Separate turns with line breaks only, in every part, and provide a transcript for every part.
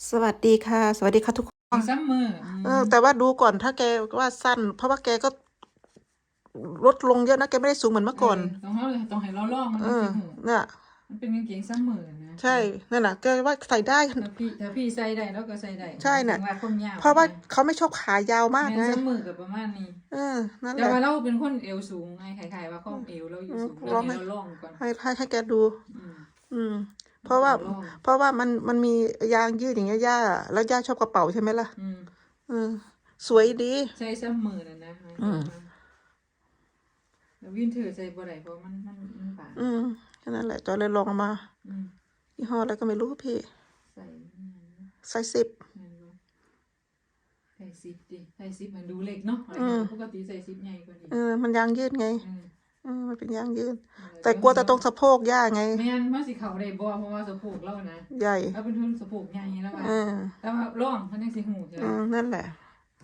สวัสดีค่ะสวัสดีค่ะทุกคน
ซัมเมอร์
แต่ว่าดูก่อนถ้าแกว่าสั้นเพราะว่าแกก็ลดลงเยอะนะแกไม่ได้สูงเหมือนเมื่อก่อน
ต้องให้เราลองมัน
เออ
จังสิหู
เนี่ย
มันเป็นกางเกงซัมเมอร์นะ
ใช่นั่นแหละแกว่าใส่ได้
ถ้าพี่ใส่ได้แล้วก็ใส่ได้
ใช่
ถึ
น่ะ
งว่าคนยาว
เพราะว่าเขาไม่ชอบขายาวมาก
แม่น
ไง
ซัมเมอร์กับประมาณนี้
เออนั่น
แต่
แหละ
ว่าเราเป็นคนเอวสูงไงคล้ายๆว่าข้อเอวเราอยู่สูงแล้ว
ลอง
ให้เราลองก่อน
ให้แกดู
อืม
อืมเพราะว่ามันมียางยืดอย่างเงี้ยย่าแล้วย่าชอบกระเป๋าใช่ไหมล่ะอืมสวยดี
ใส่ซัมเมอร์นะแล้ววินเทอร์ใส่บ่ได้เพราะมันบาง
แค่นั้นแหละจอยเลยลองมายี่ห้ออะไรก็ไม่รู้พี่
ใส่
ไซส์10
ใส่10ดิใส่10มันดูเล็กเนาะปกติใส่10ใหญ่กว่านี้
มันยางยืดไงมันเป็นยางยืดแต่กลัวแต่ตรงสะโพกย่าไง
แม่นว่าสิเขาได้บ่เพราะว่าสะโพกเรานะ
ใหญ่
เราเป็นทุนสะโพกใหญ่แล้วว่าแต่ว่าร่องเขาจังสิหูใช่
นั่นแหละ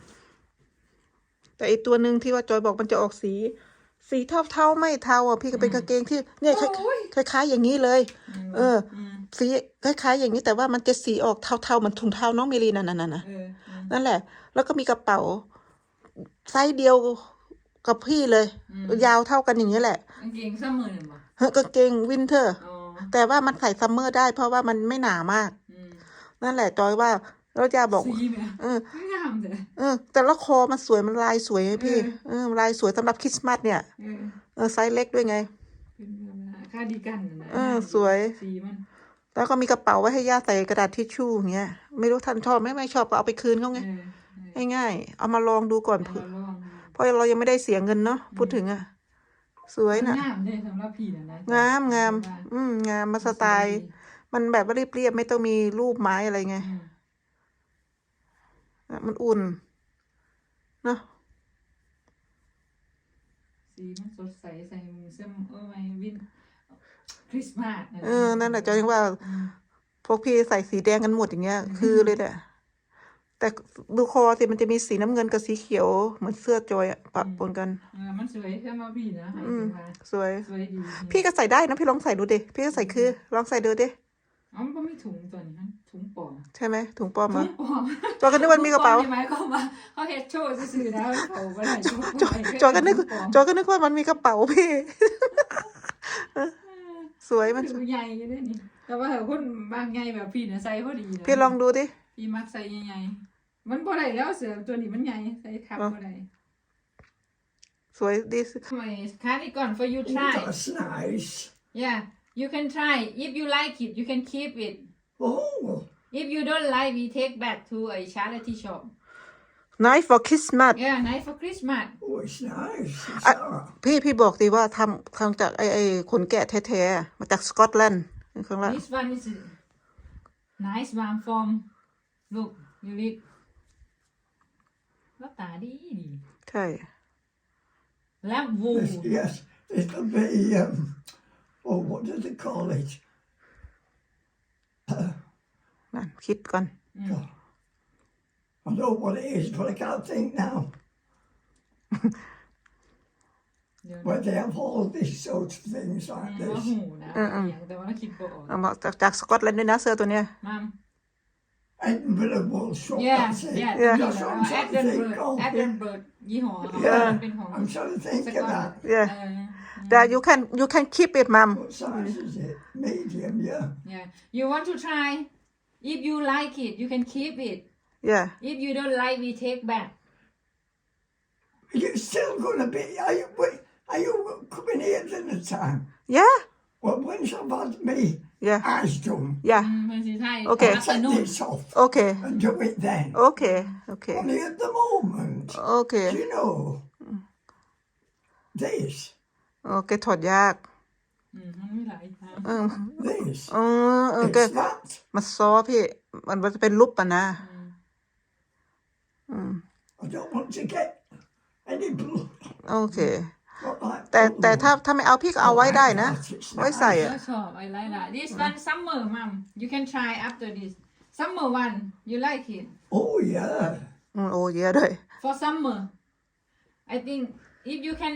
แต่อีกตัวหนึ่งที่ว่าจอยบอกมันจะออกสีเทาไม่เทาอ่ะพี่ก็เป็นกางเกงที่เนี่ยคล้ายๆอย่างนี้เลยสีคล้ายๆอย่างนี้แต่ว่ามันจะสีออกเทาๆเหมือนถุงเท้าน้องเมลีนั่นแหละแล้วก็มีกระเป๋าไซส์เดียวกับพี่เลยยาวเท่ากันอย่างนี้แหละ
กางเกงซัมเมอร์บ่
กางเกงวินเทอร์แต่ว่ามันใส่ซัมเมอร์ได้เพราะว่ามันไม่หนามากนั่นแหละจอยว่าเราจะบอก
สีแม่งามเลย
แต่ละคอมันสวยมันลายสวยพี่ลายสวยสำหรับคริสต์มาสเนี่ยไซส์เล็กด้วยไง
คาร์ดิกัน
สวย
สีมัน
แล้วก็มีกระเป๋าไว้ให้ย่าใส่กระดาษทิชชู่อย่างเงี้ยไม่รู้ท่านชอบไม่ชอบก็เอาไปคืนเขาไงง่ายๆเอามาลองดูก่อนเพราะเรายังไม่ได้เสียเงินเนาะพูดถึงอ่ะสวยนะ
งามเลยสำหรับพี่นะ
งามงามมาสไตล์มันแบบว่าเรียบๆไม่ต้องมีรูปไม้อะไรไงมันอุ่นเนาะ
สีมันสดใสใส่เสื้อไว้วินคริสต์มาส
นั่นแหละจอยว่าพวกพี่ใส่สีแดงกันหมดอย่างเงี้ยคือเลยแหละแต่ดูคอสิมันจะมีสีน้ำเงินกับสีเขียวเหมือนเสื้อจอยปะปนกัน
มันสวยใช่ไหมพี่นะ
สวย
ดี
พี่ก็ใส่ได้นะพี่ลองใส่ดูดิพี่ก็ใส่คือลองใส่ดูดิ
มันก็ไม่ถุงตัวนี้ถุงปลอม
ใช่ไหมถุงปลอมเหรอ
ถุงปลอม
จอยก็นึกว่ามีกระเป๋า
หมายความว่าเขาเฮ็ดโชว์ซื่อๆแล้วเขาบ่ได้
จอยก็นึกว่ามันมีกระเป๋าพี่สวยมัน
ใหญ่กันนี่แต่ว่าคนบางใหญ่แบบพี่เนี่ยใส่พอดีนะ
พี่ลองดูดิ
พี่มักใส่ใหญ่ๆมันบ่ได้แล้วเสือตัวนี้มันใหญ่ใส่ทับบ่ได้
สวยดี
cardigan for you try
That's nice.
yeah you can try if you like it you can keep it
Oh.
if you don't like we take back to a charity shop
nice for Christmas
yeah nice for Christmas
Oh, it's nice.
พี่บอกดีว่าทำจากไอ้ขนแกะแท้ๆมาจากสกอตแลนด์ข้างล่าง
this one is nice one from look you read แล้วตาดี
ใช่
lamb wool
Yes, it'll be, oh, what do they call it?
นั่นคิดก่อน
I know what it is, but I can't think now. Where they have all these sorts of things like
ว่า
this.
หูนะแต่ว่าเราคิดบ่ออก
เอามาจากสกอตแลนด์ด้วยนะเสื้อตัวเนี้ย
มัม
Edinburgh wool shop,
yeah
that's it.
yeah
That's what I'm trying to think of.
Edinburgh ยี่ห้อเป็นของ
I'm trying to think of that.
yeah that you can keep it mom
What size is it? Medium, yeah.
yeah you want to try if you like it you can keep it
yeah
if you don't like we take back
You're still going to be, are you coming here dinner time?
yeah
Well, once I've had me
yeah
eyes done,
yeah
มันสิใช่
Okay.
I'll take this off
okay
and do it then.
okay
Only at the moment,
okay
do you know, this,
โอเคถอดยาก
มันมีหลายทาง
this,
ก็
it's that.
มันซอพี่มันจะเป็นรูปอ่ะนะ
I don't want to get any blood.
โอเค
Not like
แต่
blood.
ถ้าไม่เอาพี่ก็เอาไว้ได้นะ
It's
ไว้ใส่
nice.
อ่ะ
ก็ชอบ I like that this one summer mom you can try after this summer one you like it
Oh, yeah.
โอ้เยอะด้วย
for summer I think if you can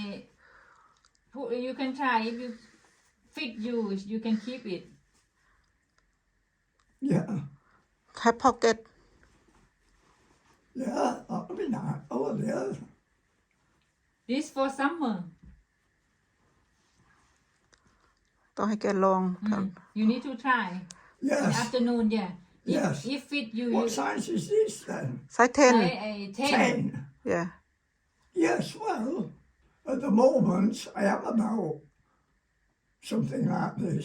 you can try if you fit you can keep it
Yeah.
have pocket
Yeah, that'll be nice. Oh, yeah.
This for summer.
ต้องให้แกลองท
You need to try.
Yes.
Afternoon, yeah.
Yes.
If fit you,
What
you
size is this then?
ำไซส์ 10
try a 10.
10.
yeah
Yes, well, at the moment, I am about something like this.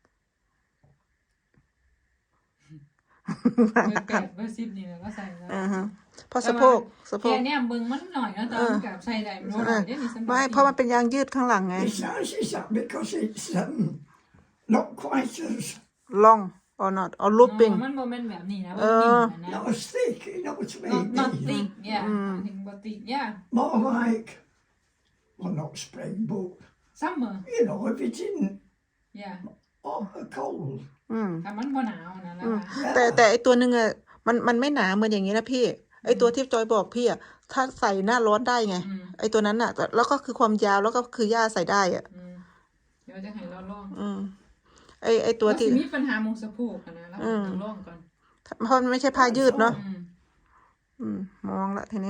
เบอร์8เบอร์10นี่แหละก็ใส่ได้
เพราะสะโพก
แค่เนี่ยเบิ่งมันหน่อยนะแต่มันกับใส่ได้มันหน่อยได้มีสำหรับ
ไม่เพราะมันเป็นยางยืดข้างหลังไง
It's nice, is that because it's not quite as
ล่อง or not or looping
มันโมเมนต์แบบนี้นะมันนิ่มนะ
not as thick, you know what I
not
mean?
thick yeah ถึงบ่ thick yeah
More like, well, not spring, but
summer
you know, if it's in
yeah
cold.
ถ้ามันบ่หนาวนะแล้วค่ะ
แต่ไอตัวหนึ่งอะมันไม่หนาเหมือนอย่างนี้นะพี่ ไอตัวที่จอยบอกพี่อะถ้าใส่หน้าร้อนได้ไง ไอตัวนั้นอะแล้วก็คือความยาวแล้วก็คือย่าใส่ได้อะ
เดี๋ยวจะให้เราลอง
ไอตัว
ว่าสิ
ที่
มีปัญหามงสะโพกอะนะแล้วต้องลองก่อน
เพราะมันไม่ใช่ผ้ายืดเนาะมองละทีนี้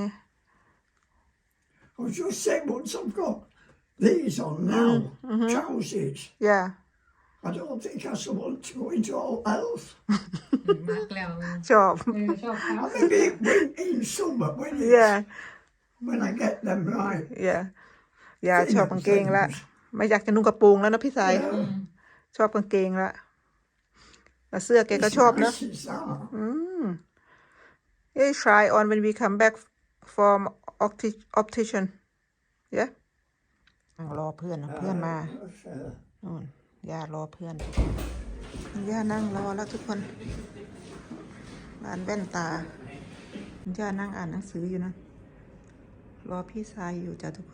I was just saying, once I've got these on now, trousers,
อย่า
I don't think I should want to go into all else.
มากแล้ว
ชอบ
ชอบเขา
Maybe in summer
yeah
when I get them right.
อย่าชอบกางเกงละไม่อยากจะนุ่งกระโปรงแล้วนะพี่สาย ชอบกางเกงละแล้วเสื้อแกก็ชอบเนาะ
Nice is that.
Hey try on when we come back from optician yeah รอเพื่อนเพื่อนมานู่นย่ารอเพื่อนย่านั่งรอแล้วทุกคนร้านแว่นตาย่านั่งอ่านหนังสืออยู่นะรอพี่ชายอยู่จ้ะทุกคน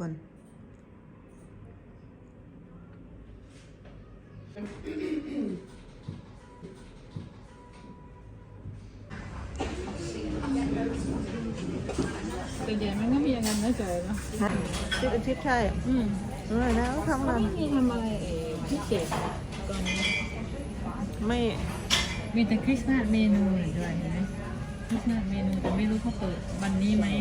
แต่ใหญ่มันก็มีอย่างนั้นนะจอยเนาะ
ทิศอาทิตย์ใช่นะทั้งนั้น
ไม่มีทำอะไรพิเศษก่อนนี้
ไม่
มีแต่คริสต์มาสเมนูด้วยเห็นไหมคริสต์มาสเมนูแต่ไม่รู้เขาเปิดวันนี้ไหม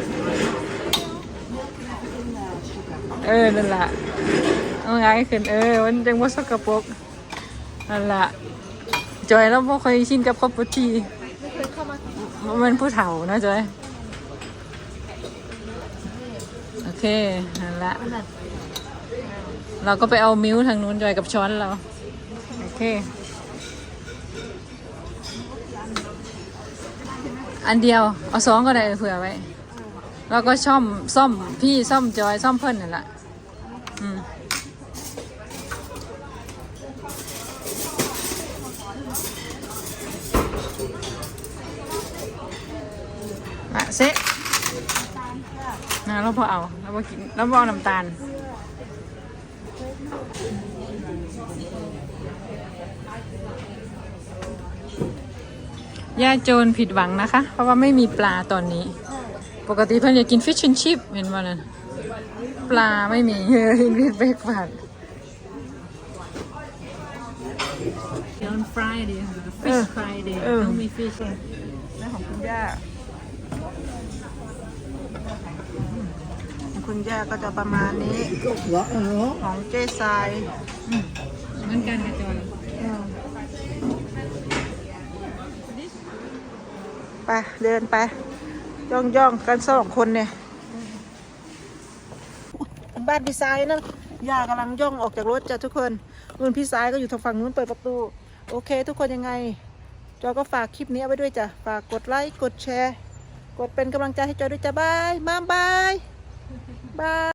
นั่นแหละเอาไงขึ้นมันจังว่าสกปรกนั่นแหละจอยแล้วพอเคยชินกับคอปปุทีมันผู้เฒ่านะจอยโอเคนั่นแหละเราก็ไปเอามิ้วทางนู้นจอยกับช้อนเราโอเคอันเดียวเอา2ก็ได้เผื่อไว้แล้วก็ซ่อมพี่ซ่อมจอยซ่อมเพิ่นนั่นแหละมาเซะเราพอเอาเราพอกินเราพอเอาน้ำตาลย่าโจรผิดหวังนะคะเพราะว่าไม่มีปลาตอนนี้ปกติเพื่อนอยากกินฟิชแอนด์ชิพเห็นว่านั่นปลาไม่มีกินเบรกฟาสต์ on Friday fish Friday ต้องมี fish
นั่นของคุณย่าของคุณย่าก็จะประมาณนี้ ของเจ๊ทราย
เหมือนกันกับจอย
ไปเดินไปย่องกัน2 คนเนี่ยบ้านพี่สายนะย่ากำลังย่องออกจากรถจ้ะทุกคนนู่นพี่สายก็อยู่ทางฝั่งนู้นเปิดประตูโอเคทุกคนยังไงจอยก็ฝากคลิปนี้เอาไว้ด้วยจ้ะฝากกดไลค์กดแชร์กดเป็นกำลังใจให้จอยด้วยจ้ะบายบาย